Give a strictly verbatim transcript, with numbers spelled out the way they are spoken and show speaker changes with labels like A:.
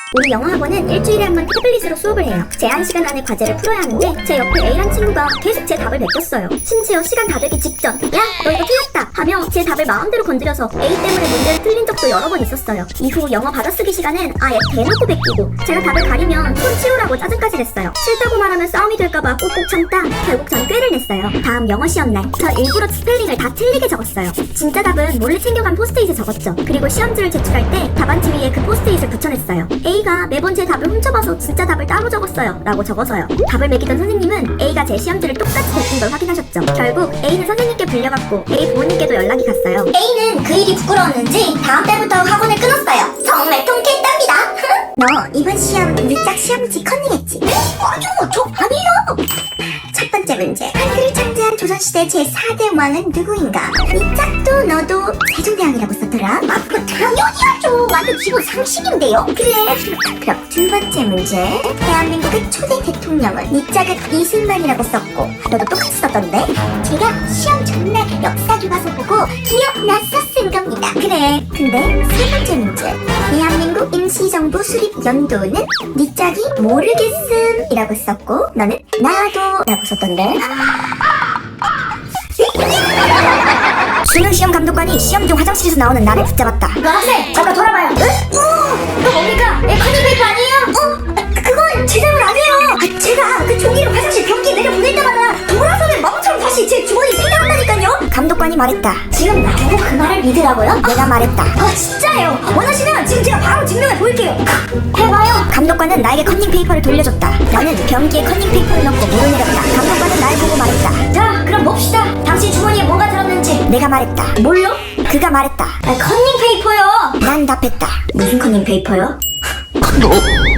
A: 우리 영어학원은 일주일에 한 번 태블릿으로 수업을 해요. 제한 시간 안에 과제를 풀어야 하는데 제 옆에 A란 친구가 계속 제 답을 베꼈어요. 심지어 시간 다 되기 직전 야 너 이거 틀렸다 하며 제 답을 마음대로 건드려서 A 때문에 문제를 틀린 적도 여러 번 있었어요. 이후 영어 받아쓰기 시간엔 아예 대놓고 베끼고 제가 답을 가리면 손 치우라고 짜증까지 냈어요. 싫다고 말하면 싸움이 될까봐 꼭꼭 참다 결국 전 꾀를 냈어요. 다음 영어 시험날 저 일부러 스펠링을 다 틀리게 적었어요. 진짜 답은 몰래 챙겨간 포스트잇에 적었죠. 그리고 시험지를 제출할 때 답안지 위에 그 포스트잇을 붙여냈어요. A가 매번 제 답을 훔쳐봐서 진짜 답을 따로 적었어요 라고 적어서요. 답을 매기던 선생님은 A가 제 시험지를 똑같이 베낀 걸 확인하셨죠. 결국 A는 선생님께 불려갔고 A 부모님께도 연락이 갔어요.
B: A는 그 일이 부끄러웠는지 다음 달부터 학원을 끊었어요. 정말 통쾌했답니다. 너 이번 시험 밑작 시험지 컨닝했지? 아니요, 저 아니에요. 첫 번째 문제. 한글을 창제한 조선시대 제사 대 왕은 누구인가? 밑작도 너도 세종대왕이라고 썼더라. 아, 그거 당연히하죠. 완전 기본 상식인데요. 그래. 그럼 두 번째 문제. 대한민국의 초대 대통령은 밑작은 이승만이라고 썼고 너도 똑같이 썼던데? 제가 시험 전날 역사 교과서 보고 기억났어 쓴 겁니다. 그래. 근데 세 번째 문제. 대한민국 임시정부 수립 연도는 밑작이 모르겠음이라고 썼고 너는 나도 라고 썼던데?
A: 수능 시험 감독관이 시험 중 화장실에서 나오는 나를 붙잡았다.
B: 너 학생 잠깐 돌아봐요. 응? 어, 너 뭡니까? 내 커닝 페이퍼 아니에요? 어? 아, 그건 제 잘못 아니에요. 아, 제가 그 종이를 화장실 변기에 내려 보낼 때마다 돌아서면 멍처럼 다시 제 주머니에 생겨난다니까요.
A: 감독관이 말했다.
B: 지금 나보고 그 말을 믿으라고요?
A: 내가 말했다.
B: 아 진짜예요? 원하시면 지금 제가 바로 증명해 보일게요. 해봐요.
A: 감독관은 나에게 커닝 페이퍼를 돌려줬다. 나는 변기에 커닝 페이퍼를 넣고 물을 내렸다. 감독관은 날 보고 말했다.
B: 자 그럼 봅시다. 당신 주머니에 뭐가 들었는지.
A: 내가 말했다.
B: 뭘요?
A: 그가 말했다.
B: 아, 커닝 페이퍼요.
A: 난 답했다.
B: 무슨 커닝 페이퍼요?
C: 너